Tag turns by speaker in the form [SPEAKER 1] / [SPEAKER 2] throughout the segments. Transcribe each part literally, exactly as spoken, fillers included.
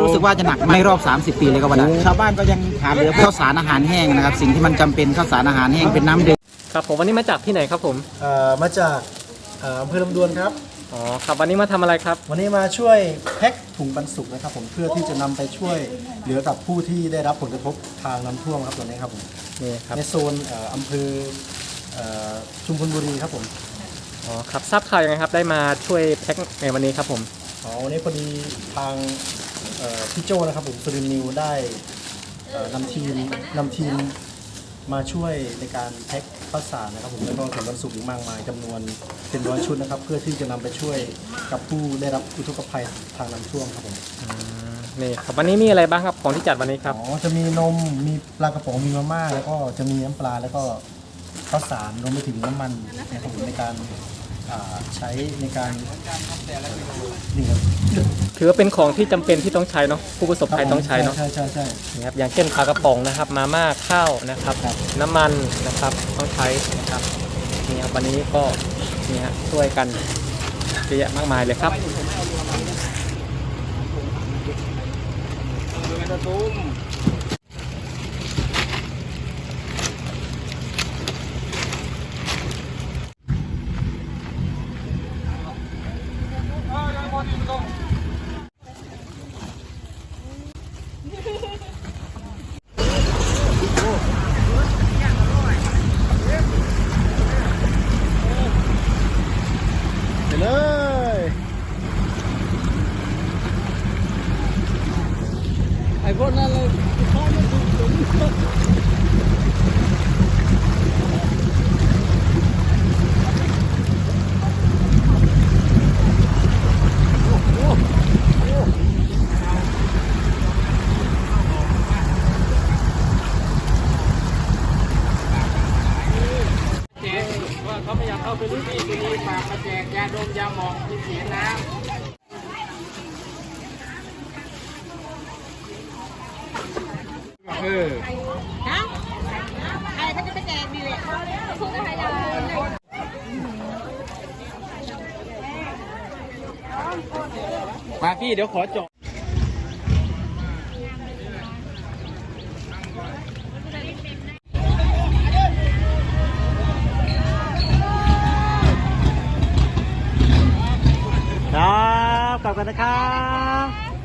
[SPEAKER 1] รู้สึกว่าจะหนักไม่รอบสามสิบปีเลยก็ว่าได้ชาวบ้านก็ยังขาดเหลือข้าวสารอาหารแห้งนะครับสิ่งที่มันจำเป็นข้าวสารอาหารแห้งเป็นน้ำดื่ม
[SPEAKER 2] ครับผมวันนี้มาจากที่ไหนครับผม
[SPEAKER 3] เอ่อมาจากเอ่ออำเภอลำดวนครับ
[SPEAKER 2] อ๋อครับวันนี้มาทำอะไรครับ
[SPEAKER 3] วันนี้มาช่วยแพ็คถุงปันสุกนะครับผมเพื่อที่จะนำไปช่วยเหลือกับผู้ที่ได้รับผลกระทบทางน้ำท่วมครับตัวนี้ครับผม
[SPEAKER 2] นี่ครับ
[SPEAKER 3] ในโซนเอ่ออำเภอเอ่อชุมพลบุรีครับผม
[SPEAKER 2] อ๋อครับทราบข่าวยังไงครับได้มาช่วยแพ็คในวันนี้ครับผม
[SPEAKER 3] อ๋อวันนี้พอดีทางเอ่อพี่โจนะครับผมสุรินทร์นิวได้เอ่อนำทีมนำทีมมาช่วยในการแพ็คข้าวสารนะครับผมแล้วก็ถุงบรรจุอีกมากมายจำนวนเป็นร้อยชุดนะครับเพื่อที่จะนำไปช่วยกับผู้ได้รับอุทกภัยทางน้ำท่วมครับผม
[SPEAKER 2] นี่ครับวันนี้มีอะไรบ้างครับของที่จัดวันนี้ครับ
[SPEAKER 3] อ๋อจะมีนมมีปลากระป๋องมีมาม่าแล้วก็จะมีน้ำปลาแล้วก็ข้าวสารรวมไปถึงน้ำมันนะครับผมในการใช้ในการนี่ครับ
[SPEAKER 2] ถือว่าเป็นของที่จำเป็นที่ต้องใช้เนาะผู้ประสบภัยต้องใช้เนาะ
[SPEAKER 3] ใช่ใช่ใช่
[SPEAKER 2] นี่ครับอย่างเช่นปลากระป๋องนะครับมาม่าข้าวนะครับน้ำมันนะครับต้องใช้นะครับนี่ครับวันนี้ก็นี่ฮะช่วยกันเยอะแยะมากมายเลยครับ
[SPEAKER 3] เลยไอ้พวกนั้นเลยข้อไม่ถูกสม
[SPEAKER 1] เขาพยายามเข้าไปรุ่นที่ตัวนี้ฝากมาแจกยาดมยาหมองที่เสียน้ำเออฮะใครเขาจะไปแจกนี่แหละคุณก็ให้ยามาพี่เดี๋ยวขอจบ
[SPEAKER 3] ครับกลับกันนะครับ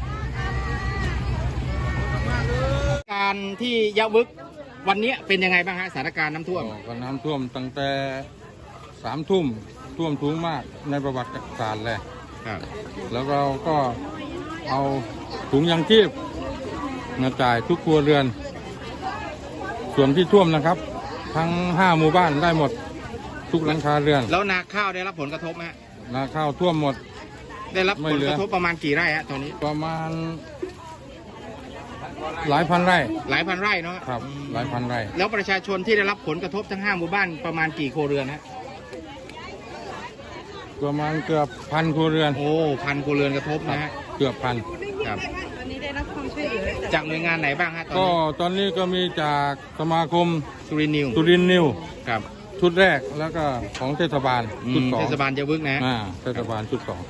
[SPEAKER 1] การที่ยะวึกวันนี้เป็นยังไงบ้างฮะสถานการณ์น้ำท่วม
[SPEAKER 4] ก็น้ำท่วมตั้งแต่สามทุ่มท่วมสูงมากในประวัติศาสตร์เลยแล้วเราก็เอาถุงยางชีพมาจ่ายทุกครัวเรือนส่วนที่ท่วมนะครับทั้งห้าหมู่บ้านได้หมดทุกหลังคาเรือน
[SPEAKER 1] แล้วนาข้าวได้รับผลกระทบไหม
[SPEAKER 4] นาข้าวท่วมหมด
[SPEAKER 1] ได้รับผลกระทบประมาณกี่ไร่ฮะตอนนี้
[SPEAKER 4] ประมาณหลายพันไร่
[SPEAKER 1] หลายพันไร่เนาะ
[SPEAKER 4] ครับหลายพันไร่
[SPEAKER 1] แล้วประชาชนที่ได้รับผลกระทบทั้งห้าหมู่บ้านประมาณกี่ครัวเรือนฮะ
[SPEAKER 4] ประมาณเกือบพันครัวเรือน
[SPEAKER 1] โอ้พันครัวเรือนกระทบนะฮะ
[SPEAKER 4] เกือบพัน
[SPEAKER 1] ครับตอนนี้ได้รับความช่วยเหลือจากหน่วยงานไหนบ้างฮะ
[SPEAKER 4] ก็ตอนนี้ก็มีจากสมาคม
[SPEAKER 1] สุรินทร์นิว
[SPEAKER 4] สุรินทร์นิว
[SPEAKER 1] ครับ
[SPEAKER 4] ชุดแรกแล้วก็ของเทศบาลชุดสอง
[SPEAKER 1] เทศบาลยะวึกนะ
[SPEAKER 4] อ่าเทศบาลชุดสอง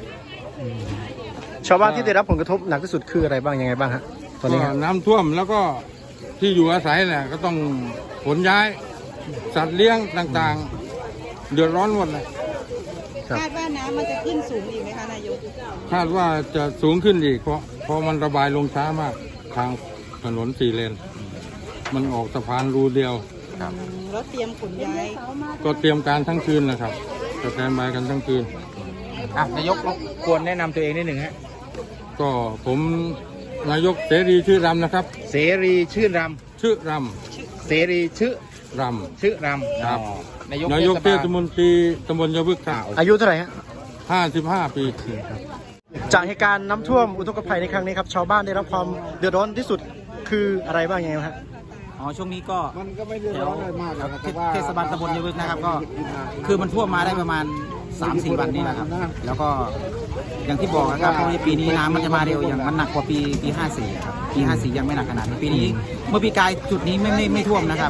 [SPEAKER 3] ชาวบ้านที่ได้รับผลกระทบหนักที่สุดคืออะไรบ้างยังไงบ้างฮะตอนนี้
[SPEAKER 4] น้ำท่วมแล้วก็ที่อยู่อาศัยเนี่ยก็ต้องขนย้ายสัตว์เลี้ยงต่างๆเดือดร้อนหมดเลย
[SPEAKER 5] คาดว่าน้ำมันจะขึ้นสูงอีกไหมคะนายก
[SPEAKER 4] คาดว่าจะสูงขึ้นอีกเพราะเพราะมันระบายลงช้ามากทางถนนสี่เลนมันออกสะพานรูเดียว
[SPEAKER 5] ครับรถเตรียมขนย้าย
[SPEAKER 4] ก็เตรียมการทั้งคืนนะครับจะแทนบายกันทั้งคืน
[SPEAKER 1] อ่ะนายกควรแนะนำตัวเองนิดหนึ่งฮะ
[SPEAKER 4] ก็ผมนายกเสรีชื่อรำนะครับ
[SPEAKER 1] เสรีชื่อร
[SPEAKER 4] ำชื่อร
[SPEAKER 1] ำเสรีชื่อ
[SPEAKER 4] รำ
[SPEAKER 1] ชื่อรำ
[SPEAKER 4] ครับนายกนายกเทศมนตรีตำบลยะวึกครับ
[SPEAKER 3] อายุเท่าไหร่ฮะ
[SPEAKER 4] ห้าสิบห้าปีครับ
[SPEAKER 3] จากเหตุการณ์น้ำท่วมอุทกภัยในครั้งนี้ครับชาวบ้านได้รับความเดือดร้อนที่สุดคืออะไรบ้างยังไงฮะ
[SPEAKER 1] อ๋อช่วงนี้ก็แถวเทศบาลตำบลยะวึกนะครับก็คือมันท่วมมาได้ประมาณ สามสี่ วันนี้นะครับแล้วก็อย่างที่บอกนะครับเพราะปีนี้น้ำมันจะมาเร็วอย่างมันหนักกว่าปีปีห้าสี่ครับปีห้าสี่ยังไม่หนักขนาดนี้ปีนี้เมื่อปีกายจุดนี้ไม่ไม่ไม่ท่วมนะครับ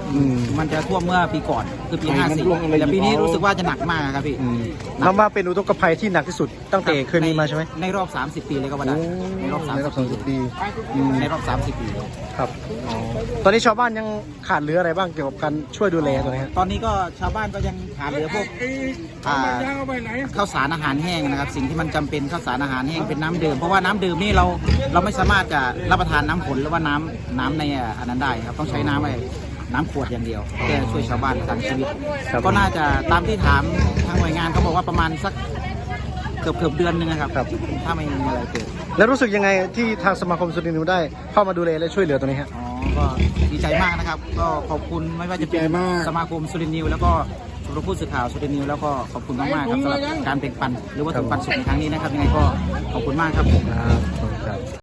[SPEAKER 3] อืม
[SPEAKER 1] มันจะท่วมเมื่อปีก่อนคือปีห้าสี่แต่ปีนี้รู้สึกว่าจะหนักมากครับพี่
[SPEAKER 3] นับว่าเป็นอุทกภัยที่หนักที่สุดตั้งแต่เคยมีมาใช่ไหม
[SPEAKER 1] ในรอบ สามสิบ ปีเลยก็ว่าได้
[SPEAKER 3] โอ้
[SPEAKER 1] ในรอบ
[SPEAKER 3] ในรอบสามสิบ
[SPEAKER 1] 30
[SPEAKER 3] ปี
[SPEAKER 1] ปีในรอบ สามสิบ ปี
[SPEAKER 3] ครับอ๋อตอนนี้ชาวบ้านยังขาดเหลืออะไรบ้างเกี่ยวกับการช่วยดูแลตัวนี้ฮะ
[SPEAKER 1] ตอนนี้ก็ชาวบ้านก็ยังขาดเหลือพวกอ่าข้าวสารอาหารแห้งนะครับ สิ่งที่มันจำเป็นข้าวสารอาหารแห้งเป็นน้ำดื่มเพราะว่าน้ำดื่มนี่เราเราไม่สามารถจะรับประทานน้ำผลหรือว่าน้ำน้ำในอันนั้นได้ครับต้องใช้น้ำอะไรน้ำขวดอย่างเดียวเพื่อช่วยชาวบ้านประทังชีวิต
[SPEAKER 3] ครับ
[SPEAKER 1] ก็น่าจะตามที่ถามทางหน่วยงานเขาบอกว่าประมาณสักเกือบเกือบเดือนหนึงนะครับ
[SPEAKER 3] ครับ
[SPEAKER 1] ถ้าไม่มีอะไรเกิด
[SPEAKER 3] แล้วรู้สึกยังไงที่ทางสมาคมสุรินทร์นิวได้เข้ามาดูแลและช่วยเหลือตัวนี้ฮะ
[SPEAKER 1] อ๋อก็ดีใจมากนะครับ ก็ขอบคุณไม่ว่าจะเป็นสมาคมสุรินทร์นิวแล้วก็สำหรับผู้สื่อข่าวสุรินทร์นิวแล้วก็ขอบคุณมากๆครับสำหรับการแบ่งปันหรือว่า
[SPEAKER 3] ครับ
[SPEAKER 1] ถึงปันสุขในครั้งนี้นะครับยังไงก็ขอบคุณมากครับผม
[SPEAKER 3] ครับขอบคุณครับ